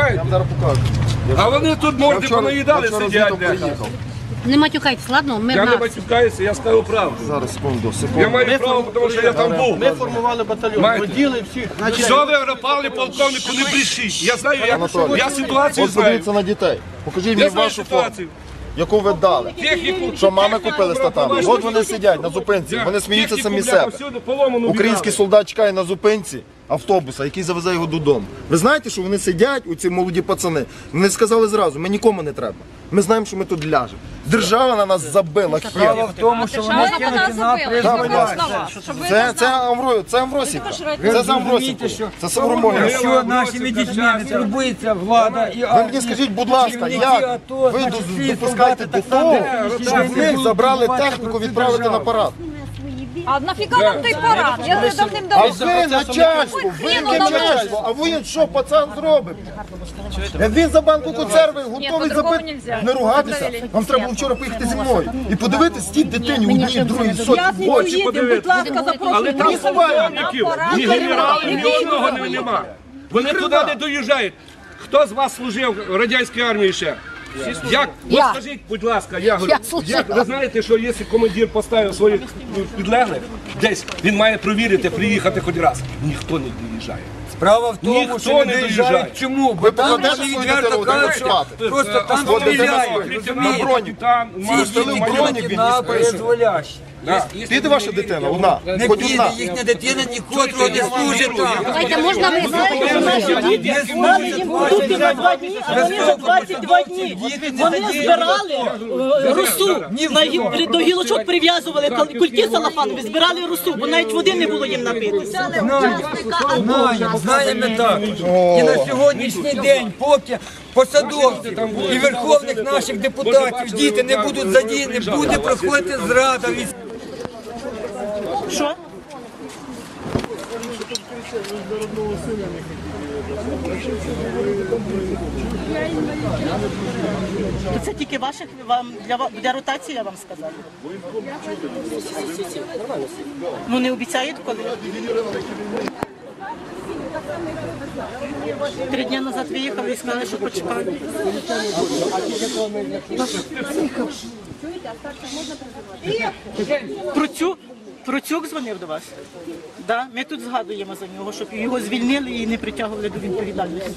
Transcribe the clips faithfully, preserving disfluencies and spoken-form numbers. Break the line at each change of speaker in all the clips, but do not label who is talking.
Понімаєте?
Зараз покажу.
А вони тут морди понаїдали, сидять.
Не матюкайтесь, ладно? Ми
Я не матюкаюся, я скажу правду.
Зараз, секунду, секунду.
Я маю право, тому що я там був.
Ми формували батальйон, поділи всіх.
Що ви врапали полковнику, не брешіть. Я знаю, я, я ситуацію
От
знаю.
подивіться на дітей. Покажіть мені
Я знаю
вашу форму,
ситуацію.
яку ви дали.
Техніку.
Що мами купили з татами. От вони сидять на зупинці, вони сміються самі себе. Український солдат чекає на зупинці автобуса, який завезе його додому. Ви знаєте, що вони сидять, оці молоді пацани, вони сказали зразу, ми нікому не треба. Ми знаємо, що ми тут ляжемо. Держава на нас забила хер.
в тому, що вони кинуті на призволяще.
Це, це, Амвро, це Амвросівка. Це з Амвросівки. Це Савромоня.
Якщо нашими дітьми не турбується влада і
Ви мені скажіть, будь ласка, як ви допускаєте до того, щоб в них забрали техніку відправити на парад?
А нафіга нам той парад? Я вже
А
давним-давно.
ви начальство, ви начальство, а ви що, пацан зробить? Як він за банку консерви готовий забити, не ругатися, вам треба було вчора поїхати зі мною і подивитись тій дитині одній, другій, сотні в очі.
Будь ласка,
Але там
запрошуйте.
полковників, ні генералів, ні одного не- нема. Вони туди не доїжджають. Хто з вас служив в радянській армії ще? Як? От скажіть, будь ласка, я говорю, як ви знаєте, що якщо командир поставив своїх підлеглих, десь він має провірити, приїхати хоч раз. Ніхто не доїжджає.
Справа в тому,
Ніхто
що не
не
доїжджають.
доїжджає.
Чому? Бо
Ви
там
покладете
вони
свою
відверто
дитину,
кажуть,
де
що
спати?
просто там
От дитина
стріляють.
стоїть на броні.
Ці діти кинуті на призволяще.
Піде ваша дитина, одна,
Не
хоч
піде,
одна.
їхня дитина нікотрого не служить там.
Давайте, можна ви
Дали їм
Тільки на два дні, а вони за двадцять два дні. Вони збирали е, русу, на гі- до гілочок прив'язували кал- кульки салафанові, збирали русу, бо навіть води не було їм напитися.
Знаємо, знаємо також. І на сьогоднішній день, поки посадовців і верховних наших депутатів діти не будуть задіяні, буде проходити зрада від...
Що? То це тільки ваших вам для, ва- для ротації, я вам сказала. Ну не обіцяють коли? Три дні назад виїхали і сказали, що почекали. Процюк, Процюк дзвонив до вас? Да? Ми тут згадуємо за нього, щоб його звільнили і не притягували до відповідальності.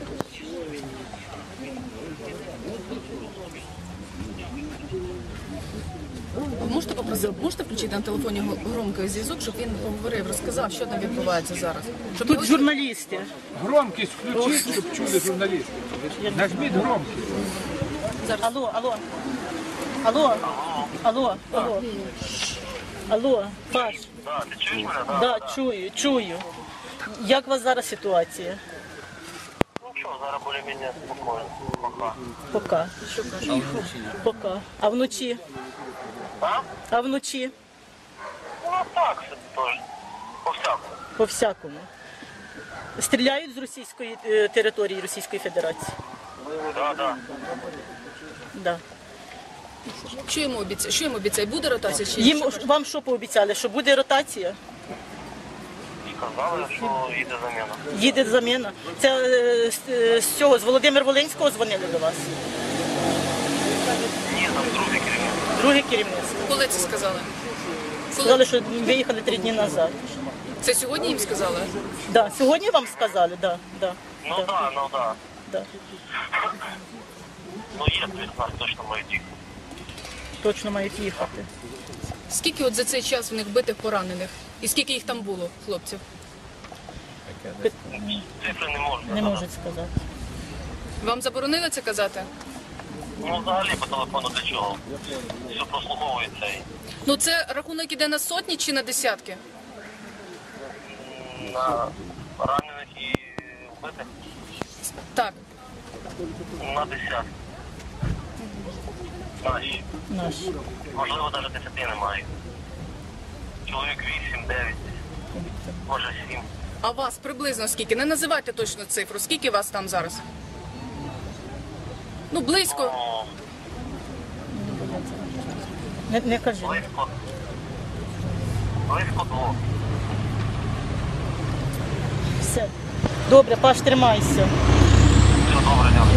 Можете попросити, можете включити на телефоні громкий зв'язок, щоб він поговорив, розказав, що там відбувається зараз? Щоб
Тут
його-
журналісти.
Громкість включіть, щоб чули журналісти. Нажміть громкість.
Алло, алло. Алло. Алло, алло. Алло, Паш.
Да, ти чуєш мене? Да.
Да, чую, чую. Як у вас зараз ситуація?
Ну що, зараз більш-менш спокійно. Пока.
Пока. Пока. А вночі?
А?
А вночі?
Ну так, собі теж. По-всякому.
По всякому. Стріляють з російської е, території Російської Федерації?
Да, да.
Да.
Що йому обіцяє? Що йому обіцяє? Буде ротація чи ні?
Їм вам що пообіцяли? Що буде ротація?
Сказали, що їде заміна.
Їде заміна. Це е, з, е, з цього, з Володимир Волинського дзвонили до вас?
Ні, там другий керівник.
Друге керівництво.
Коли це сказали?
Сказали, що виїхали три дні назад.
Це сьогодні їм сказали?
Да. Сьогодні вам сказали? Да. Да.
Ну так, да, ну так. Да.
Да.
Ну є, від нас точно мають їх.
Точно мають їхати.
Скільки от за цей час в них битих поранених? І скільки їх там було, хлопців?
Цифри не можна.
Не можуть сказати.
Вам заборонили це казати?
Ну взагалі по телефону для чого? Все прослуховується і
Ну це рахунок іде на сотні чи на десятки?
на ранених і вбитих
Так.
на десятки. Наші.
Наші.
Можливо, навіть десяти немає. Чоловік вісім, дев'ять, може сім.
А вас приблизно скільки? Не називайте точно цифру. Скільки вас там зараз? Ну, близько.
Ну,
Не, не кажи.
близько. Близько двох.
Все. Добре, Паш, тримайся.
Все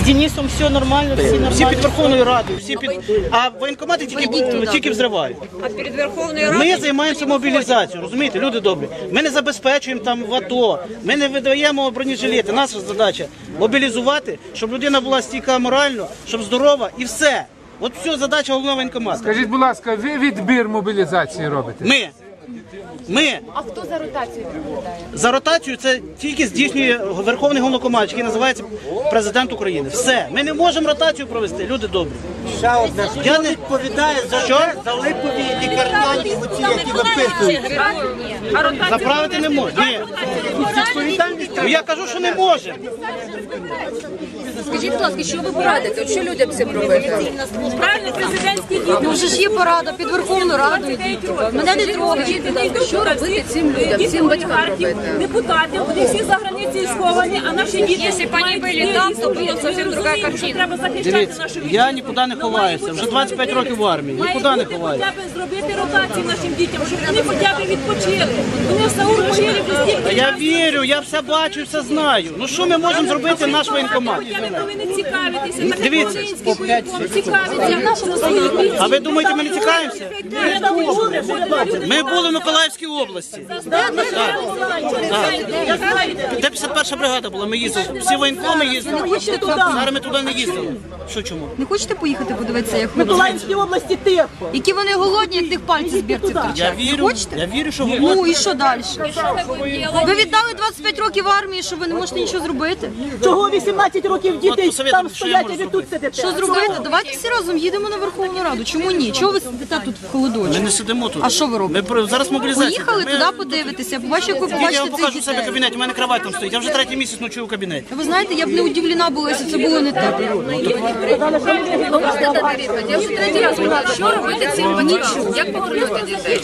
З Денисом все нормально, всі нормально. Всі під Верховною Радою, всі під... А воєнкомати тільки, тільки взривають.
А перед Верховною Радою...
Ми займаємося мобілізацією, розумієте, люди добрі. Ми не забезпечуємо там в АТО, ми не видаємо бронежилети. Наша задача мобілізувати, щоб людина була стійка морально, щоб здорова і все. От все задача головного воєнкомату.
Скажіть, будь ласка, ви відбір мобілізації робите?
Ми. Ми.
А хто за ротацію відповідає?
За ротацію це тільки здійснює Верховний Головнокомандувач, який називається Президент України. Все. Ми не можемо ротацію провести, люди добрі.
Ще одне.
Я не
відповідає за
що?
За липові лікарняні, оці, які виписують.
Заправити не можна. Ні. Ну, я кажу, що не може.
Скажіть, будь ласка, що ви порадите? От що людям цим робити?
Правильно, президентський дім.
Ну вже ж є порада під Верховну Раду. Мене не трогають.
Що робити цим людям, цим батькам робити?
Депутати, вони всі за границею сховані, а наші діти...
Якщо б вони були там, то була зовсім друга картина.
Треба захищати
Дивіться,
нашу
я нікуди не ховаюся. Вже двадцять п'ять років в армії. Нікуди не ховаюся.
Хоча б зробити ротацію нашим дітям, щоб вони хоча б відпочили. Вони в Саул могилі
Та я вірю, я все бачу, все знаю. Ну що ми можемо зробити наш воєнкомат?
Ви повинні цікавитися, так як
Дивіться.
український воєнком цікавиться нашому своїй бійці.
А ви думаєте, ми не цікавимося? Ми були в Миколаївській області. Де п'ятдесят перша бригада була, ми їздили. Всі воєнкоми їздили. Зараз ми туди не їздили. Що чому?
Не хочете поїхати подивитися, як
В Миколаївській області тихо.
які вони голодні, як тих пальців з бірців
Я
торчать?
вірю,
Хочете?
я вірю, що
Ну
голод.
і що далі? Ви віддали двадцять п'ять років армії, що ви не можете нічого зробити?
Чого вісімнадцять років діти там стоять, а ви тут сидите?
Що зробити? Давайте всі разом їдемо на Верховну Раду. Чому ні? Чого ви сидите тут в
Ми
холодочку?
не сидимо тут.
А що ви робите?
Ми про- зараз мобілізація.
Поїхали
Ми-
туди подивитися, побачите, як ви
Я вам
побачите
покажу
цих
в себе в
дітей.
кабінеті, у мене кровать там стоїть. Я вже третій місяць ночую в кабінеті.
Ви знаєте, я б не удивлена була, якщо це було не так.
Можете дати відповідь? Я вже третій раз питаю, що робити цим батькам? Як повернути дітей?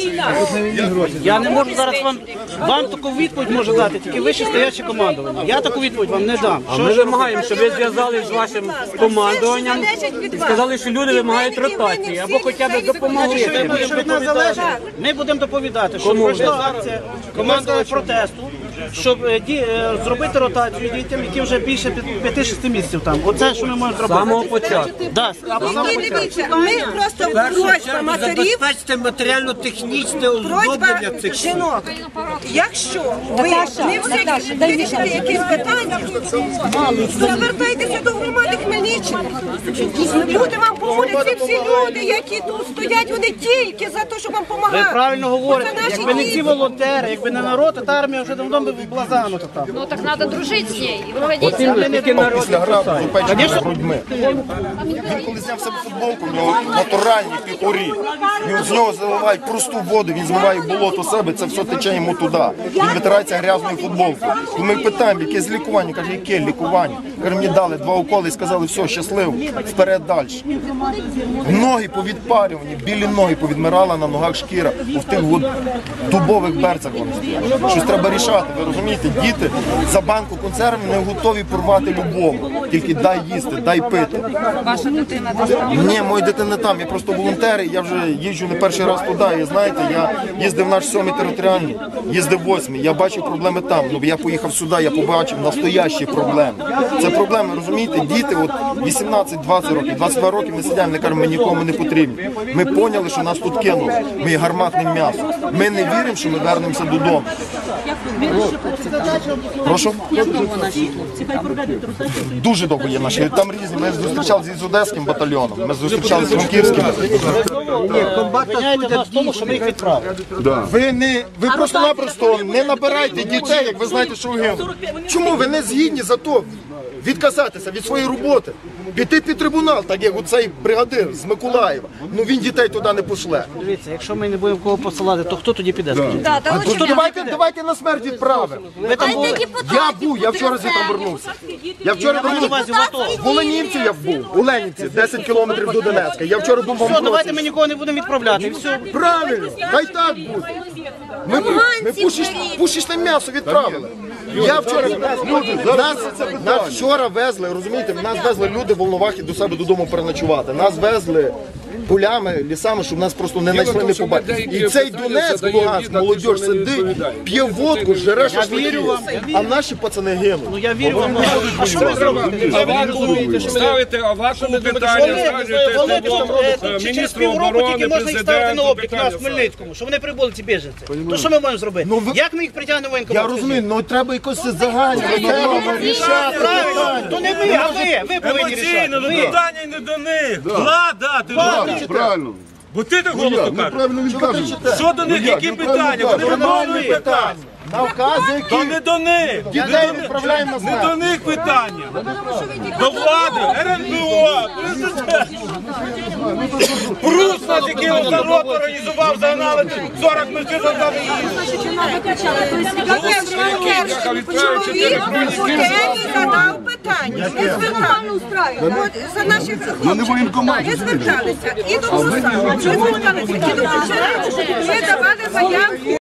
Я не можу зараз вам, вам таку відповідь можу дати, тільки вище стояче командування. Я таку відповідь вам не дам.
Ми вимагаємо, щоб ви зв'язалися з вашим командуванням і сказали, що люди вимагають ротації або хоча б допомогли.
Що від- що від нас залежить, ми будемо доповідати, що пройшла акція командного протесту, щоб е, ді- е, зробити ротацію дітям, які вже більше п'яти- п'яти-шести місяців там. Оце, що ми можемо зробити.
З самого початку.
Да, а по самому початку.
Ми просто просьба матерів,
Забезпечте матеріально-технічне оздоблення
просьба
цих
жінок. Якщо ви не всі вирішили якісь питання, то звертайтеся до громади Хмельниччини. Люди вам поможуть, ці всі люди, які тут стоять, вони тільки за те, щоб вам
Ви
допомагати.
правильно говорите,
Це наші
якби не ці
діти.
волонтери, якби не народ, то та армія вже давно б була загнута там.
Ну так треба дружити з нею і проводити.
Після грабу з упеченими грудьми. Він коли зняв себе футболку, в нього натуральні піхурі. Він з нього заливають просту воду, він змиває болото себе, це все тече йому туди. Він витирається грязною футболкою. І ми питаємо, яке з лікування? Каже, яке лікування? Каже, мені дали два уколи і сказали, все, щасливо, вперед далі. Ноги повідпарювані, білі ноги повідмирала на ногах шкіра. У тих от дубових берцях вони стоять. Щось треба рішати, ви розумієте? Діти за банку консервів не готові порвати любому. Тільки дай їсти, дай пити.
Ваша дитина
Ні, моя дитина там, я просто волонтер, і я вже їжджу не перший раз туди. І знаєте, я їздив в наш сьомий територіальний, їздив восьмий, я бачив проблеми там. Ну, я поїхав сюди, я побачив настоящі проблеми. Це проблеми, розумієте, діти от вісімнадцять-двадцять років, двадцять два роки ми сидимо, не кажемо, ми нікому не потрібні. Ми поняли, що нас тут кинули, ми є гарматним м'ясом. Ми не віримо, що ми вернемося додому. Прошу? Дуже довго є наші. Там різні. Ми зустрічалися з Одеським батальйоном, ми зустрічалися з Франківським.
Обвиняєте нас в тому, що ми їх відправили.
Ви не ви просто-напросто не набирайте дітей, як ви знаєте, що ви гинули. Чому ви не згідні за то відказатися від своєї роботи? Піти під трибунал, так як оцей бригадир з Миколаєва. Ну він дітей туди не пошле.
Дивіться, якщо ми не будемо кого посилати, то хто тоді піде? скажіть?
А то давайте, давайте на смерть відправимо.
Ви там були?
Я був, я вчора звідти вернувся. Я вчора
на увазі
вернувся.
в АТО.
В Оленівці я був, у Ленівці, десять кілометрів до Донецька. Я вчора був в
Все, давайте
Амброці.
ми нікого не будемо відправляти. І все.
Правильно, хай так буде. Ми, ми пушиш, пушечне м'ясо відправили. Я вчора, люди, нас, нас вчора везли, розумієте, нас везли люди в Волновахі до себе додому переночувати. Нас везли полями, лісами, щоб нас просто не знайшли, не побачили. І цей Донецьк, Луганськ, молодь сидить, п'є водку, жере шашлики, а наші пацани гинуть.
Ну я вірю вам. А що ви зробите?
Ставите авакуму питання, скажете міністру оборони,
можна їх ставити на
президенту
облік у нас в Хмельницькому, щоб вони прибули ці біженці. То що ми можемо зробити? Як ми їх притягнемо в воєнкомат?
Я розумію, але треба якось загальне, треба рішати.
Правильно, то не ми, а ви, ви повинні рішати.
Емоційно, ну питання не до них. Влада, ти ж
Правильно.
бо ти так голосно кажеш.
Правильно він каже.
Що до них, які питання? Вони виконують питання.
Навкази,
То
які
не до них.
дітей відправляємо на
Не
смерть.
до них питання. До влади, РНБО, президент. Прус нас, який народ організував, загнали сорок машин за
Чоловік у темі задав питання. Не зверталися. За наших хлопців. Не зверталися. І до Руса. Не зверталися. І до Чечені. Ми давали заявку.